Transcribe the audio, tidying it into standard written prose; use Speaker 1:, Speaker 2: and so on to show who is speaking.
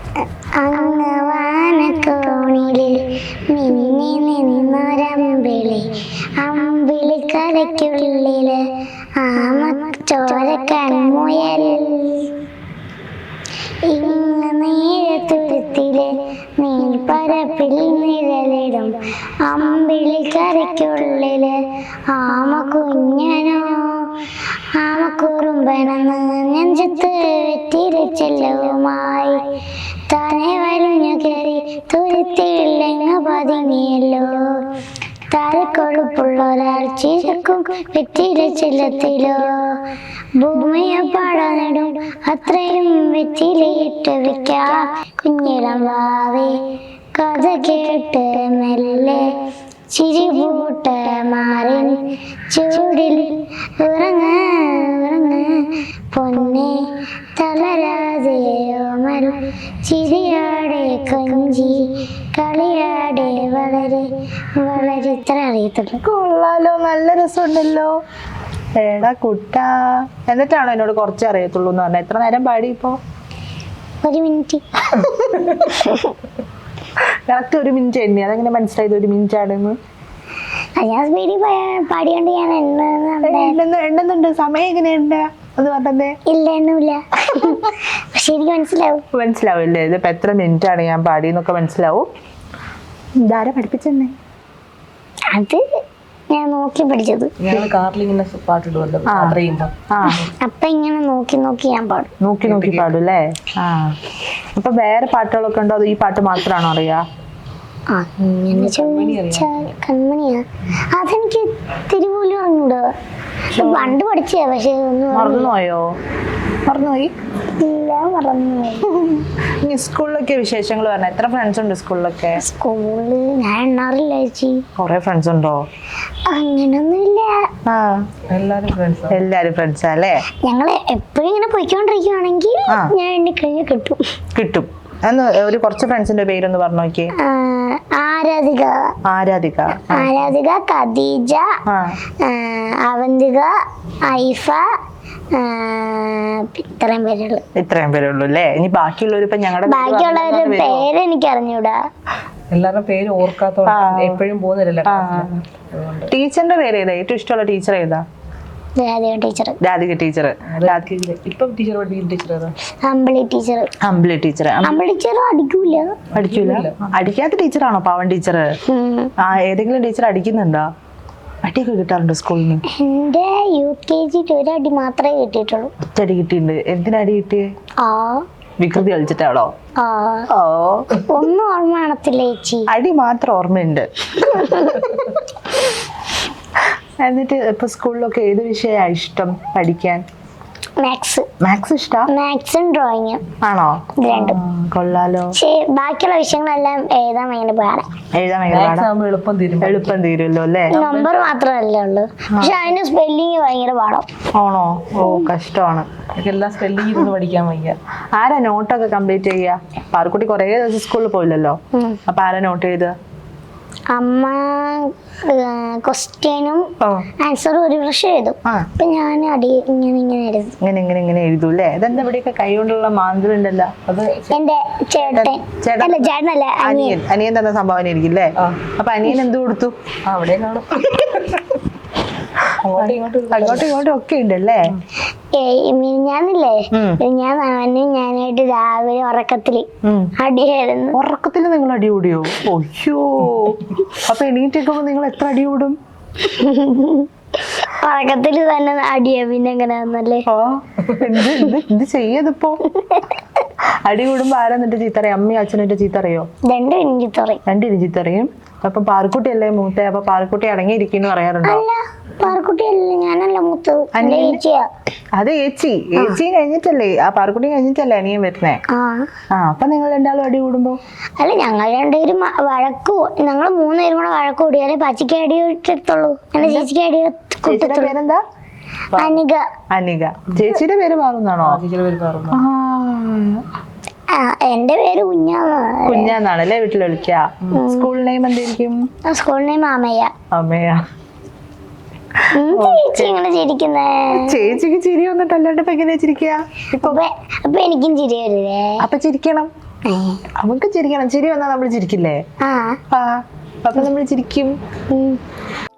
Speaker 1: അങ്ങ് വാനക്കോണിലിൽ മിന്നി നിന്നൊരമ്പിളി, അമ്പിളി കരയ്ക്കുള്ളില് ആമച്ചോര കൺമുയൽ. ഇങ്ങ് നീഴത്തുരുത്തില് നീൽപ്പരപ്പിൽ നിഴലിടും അമ്പിളി കരയ്ക്കുള്ളില് ആമ കുഞ്ഞനോ. ആമക്കുറുമ്പനെന്ന് നെഞ്ചത്ത് വെറ്റിരച്ചെല്ലുമായി താനെ വലിഞ്ഞു കയറി തുരുത്തിയില്ലെങ്ങ് പതുങ്ങിയല്ലോ. താരക്കൊഴുപ്പുള്ള ഒരാൾ ചിരക്കും വെറ്റിരച്ചെല്ലത്തിലോ. ഭൂമിയെ പാടനിടും അത്രയും വെറ്റിലയിട്ട് വെക്കാം കുഞ്ഞിളം വാവേ. കഥ കേട്ട് മെല്ലെ ചിരിപൂട്ട മാറിൻ ചൂടിൽ ഉറങ്ങ് ഉറങ്ങ് പൊന്നെ തളരാതെയോമൽ ചിരിയാടെ കൊഞ്ചി കളിയാടെ വളരെ വളരെ ഇത്ര അറിയത്തുള്ളൂ.
Speaker 2: കൊള്ളാലോ, നല്ല രസമുണ്ടല്ലോ. എടാ കുട്ടാ, എന്നിട്ടാണോ എന്നോട് കുറച്ച് അറിയത്തുള്ളൂ എന്ന് പറഞ്ഞാൽ? എത്ര നേരം പാടി ഇപ്പോ?
Speaker 1: 1 മിനിറ്റ്.
Speaker 2: കറക്റ്റ് 1 മിനിറ്റ് എണ്ണി. അതെങ്ങനെ മനസ്സിലായത് 1 മിനിറ്റ് ആണെന്ന്?
Speaker 1: ഞാൻ സ്പീഡിൽ പാടിയോണ്ട് ഞാൻ
Speaker 2: എണ്ണുന്നുണ്ട്. സമയം എങ്ങനെയുണ്ട് അത് പറഞ്ഞേ?
Speaker 1: ഇല്ല, എണ്ണൂല്ല. പക്ഷെ എനിക്ക്
Speaker 2: മനസ്സിലാവില്ലേ? ഇതിപ്പോ എത്ര മിനിറ്റ് ആണ് ഞാൻ പാടിയെന്നൊക്കെ മനസ്സിലാവും. ഇതാരാ പഠിപ്പിച്ചെന്നെ?
Speaker 1: അത് ഞാൻ നോക്കി പഠിച്ചത്. അപ്പൊ ഇങ്ങനെ നോക്കി നോക്കി ഞാൻ പാടും.
Speaker 2: നോക്കി പാടും അല്ലേ? അപ്പൊ വേറെ പാട്ടുകളൊക്കെ ഉണ്ടോ? അത് ഈ പാട്ട് മാത്രമാണോ അറിയാ?
Speaker 1: അങ്ങനെ ചോദിച്ചാൽ കൺമണിയാ, അതെനിക്ക് തിരുപോലും അറിഞ്ഞൂടോ. പണ്ട് പഠിച്ചേ, പക്ഷെ
Speaker 2: മറന്നുപോയോ? മറന്നുപോയി?
Speaker 1: ഇല്ല, മറന്നുപോയി.
Speaker 2: സ്കൂളിലൊക്കെ വിശേഷങ്ങൾ പറഞ്ഞ എത്ര ഫ്രണ്ട്സ് ഉണ്ട് സ്കൂളിലൊക്കെ?
Speaker 1: സ്കൂളില് ഞാൻ എണ്ണാറില്ല ചേച്ചി.
Speaker 2: കൊറേ ഫ്രണ്ട്സ് ഉണ്ടോ?
Speaker 1: അങ്ങനൊന്നുമില്ല.
Speaker 2: എല്ലാരും ഫ്രണ്ട്സാ അല്ലേ?
Speaker 1: ഞങ്ങള് എപ്പോഴും ഇങ്ങനെ പോയിക്കൊണ്ടിരിക്കുവാണെങ്കിൽ ഞാൻ എണ്ണിക്കഴിഞ്ഞാൽ കിട്ടും.
Speaker 2: എന്ന് ഒരു കുറച്ച് ഫ്രണ്ട്സിന്റെ പേരൊന്ന് പറഞ്ഞു നോക്കിയേ.
Speaker 1: ആരാധിക, ഖദീജ, അവന്തിക, ഐഫ,
Speaker 2: ഇത്രയും പേരുള്ളൂ അല്ലേ? ഇനി ബാക്കിയുള്ളവർ ഇപ്പൊ
Speaker 1: ബാക്കിയുള്ളവരുടെ പേര് എനിക്ക് അറിഞ്ഞൂടാ.
Speaker 3: എല്ലാവരുടെ പേര് ഓർക്കാത്തോണ്ട് എപ്പോഴും പോകുന്നില്ല.
Speaker 2: ടീച്ചറിന്റെ പേര് ഏതാ? ഏറ്റവും ഇഷ്ടമുള്ള ടീച്ചർ ഏതാ?
Speaker 1: രാധിക ടീച്ചർ. അമ്പിളി ടീച്ചർ അടിക്കൂല.
Speaker 2: അടിക്കാത്ത ടീച്ചറാണോ പാവൻ ടീച്ചർ? ഏതെങ്കിലും ടീച്ചർ അടിക്കുന്നുണ്ടോ? അടിയൊക്കെ കിട്ടാറുണ്ടോ സ്കൂളിൽ നിന്ന്?
Speaker 1: എന്റെ UKG ഒരു അടി മാത്രമേ കിട്ടിയിട്ടുള്ളൂ.
Speaker 2: ഒറ്റടി കിട്ടിയിട്ടുണ്ട്. എന്തിനടി കിട്ടിയേ? വികൃതി കളിച്ചിട്ടാണോ?
Speaker 1: ഒന്നും ഓർമ്മ കാണത്തില്ല ചേച്ചി.
Speaker 2: അടി മാത്രം ഓർമ്മയുണ്ട്. എന്നിട്ട് ഇപ്പൊ സ്കൂളിലൊക്കെ ഏത് വിഷയമാണ് ഇഷ്ടം പഠിക്കാൻ? മാത്സ് ഇഷ്ടാ?
Speaker 1: മാത്സും ഡ്രോയിങ്ങും.
Speaker 2: ആണോ?
Speaker 1: രണ്ടും
Speaker 2: കൊള്ളാലോ.
Speaker 1: ബാക്കിയുള്ള വിഷയങ്ങളെല്ലാം എഴുതാൻ ഭയങ്കര പാടാണ്.
Speaker 2: എളുപ്പം തീരുമല്ലോ അല്ലേ?
Speaker 1: നമ്പർ മാത്രമല്ലേ ഉള്ളു, പക്ഷെ അതിന് സ്പെല്ലിങ് ഭയങ്കര പാടാം.
Speaker 2: ആണോ? ഓ, കഷ്ടമാണ്.
Speaker 3: എല്ലാം സ്പെല്ലിംഗ് ഇരുന്ന് പഠിക്കാൻ വയ്യ.
Speaker 2: ആരാ നോട്ടൊക്കെ കംപ്ലീറ്റ് ചെയ്യാ? പാർക്കുട്ടി കുറേ ദിവസം സ്കൂളിൽ പോയില്ലല്ലോ, അപ്പൊ ആരാ നോട്ട് ചെയ്ത്?
Speaker 1: അമ്മ ക്വസ്റ്റ്യനും ആൻസറും ഒരു പ്രാവശ്യം എഴുതും. അപ്പൊ ഞാൻ ഇങ്ങനെ
Speaker 2: എഴുതും അല്ലേ? ഇതെന്താ ഇവിടെയൊക്കെ കൈ കൊണ്ടുള്ള മാന്ത്രം ഉണ്ടല്ലോ? അത്
Speaker 1: എന്റെ ചേട്ടനല്ല,
Speaker 2: അനിയൻ തന്ന സംഭാവന ആയിരിക്കും അല്ലേ? അപ്പൊ അനിയൻ എന്ത് കൊടുത്തു?
Speaker 3: അവിടെ
Speaker 2: അങ്ങോട്ടും ഇങ്ങോട്ടും ഒക്കെ ഉണ്ടല്ലേ?
Speaker 1: ഞാനില്ലേ, ഞാനായിട്ട് രാവിലെ ഉറക്കത്തില് അടിയായിരുന്നു.
Speaker 2: ഉറക്കത്തില് നിങ്ങൾ അടി കൂടിയോ? ഒയ്യോ, അപ്പൊ എണീറ്റൊക്കെ നിങ്ങൾ എത്ര അടി കൂടും?
Speaker 1: ഉറക്കത്തില് തന്നെ അടിയാ. പിന്നെ എങ്ങനെയാന്നല്ലേ?
Speaker 2: എന്ത് ചെയ്യതിപ്പോ? അടി കൂടുമ്പോ ആരാ എന്നിട്ട് ചീത്തറിയും? അമ്മയും അച്ഛനും ചീത്തറിയോ? രണ്ടിനും ചീത്തറിയും. അപ്പൊ പാർക്കുട്ടി അല്ലേ മൂത്ത? അപ്പൊ പാർക്കുട്ടി അടങ്ങിയിരിക്കുന്നു പറയാറുണ്ടോ?
Speaker 1: ഞാനല്ല മൂത്തത്,
Speaker 2: അത് ഏച്ചിയും കഴിഞ്ഞിട്ടല്ലേ? ആ പാർക്കുട്ടി കഴിഞ്ഞിട്ടല്ലേ അനിയൻ വരുന്നേ? അപ്പൊ നിങ്ങൾ രണ്ടാളും അടി കൂടുമ്പോ?
Speaker 1: അല്ല, ഞങ്ങൾ രണ്ടുപേരും ഞങ്ങൾ 3 പേരും കൂടെ വഴക്ക് കൂടിയാലേ പച്ചയ്ക്ക് അടി ഇട്ടിട്ടുള്ളൂ. എന്റെ ചേച്ചിക്ക് അടി.
Speaker 2: ചേച്ചിയുടെ പേരെന്താ? അനിക. ചേച്ചിയുടെ പേര് മാറുന്നാണോ?
Speaker 1: എന്റെ പേര്
Speaker 2: കുഞ്ഞാന്നാണല്ലേ വീട്ടിൽ വിളിക്ക? സ്കൂൾ നെയിം എന്തായിരിക്കും?
Speaker 1: സ്കൂൾ നെയിം അമ്മയ.
Speaker 2: ചേച്ചിക്ക് ചിരി വന്നിട്ട് അല്ലാണ്ട് ഇപ്പൊ എങ്ങനെയാ ചിരിക്കുക?
Speaker 1: അപ്പൊ എനിക്കും ചിരി വരില്ലേ?
Speaker 2: അപ്പൊ ചിരിക്കണം. നമുക്ക് ചിരിക്കണം, ചിരി വന്നാൽ നമ്മൾ ചിരിക്കില്ലേ?
Speaker 1: ആ
Speaker 2: ആ അപ്പൊ നമ്മൾ ചിരിക്കും.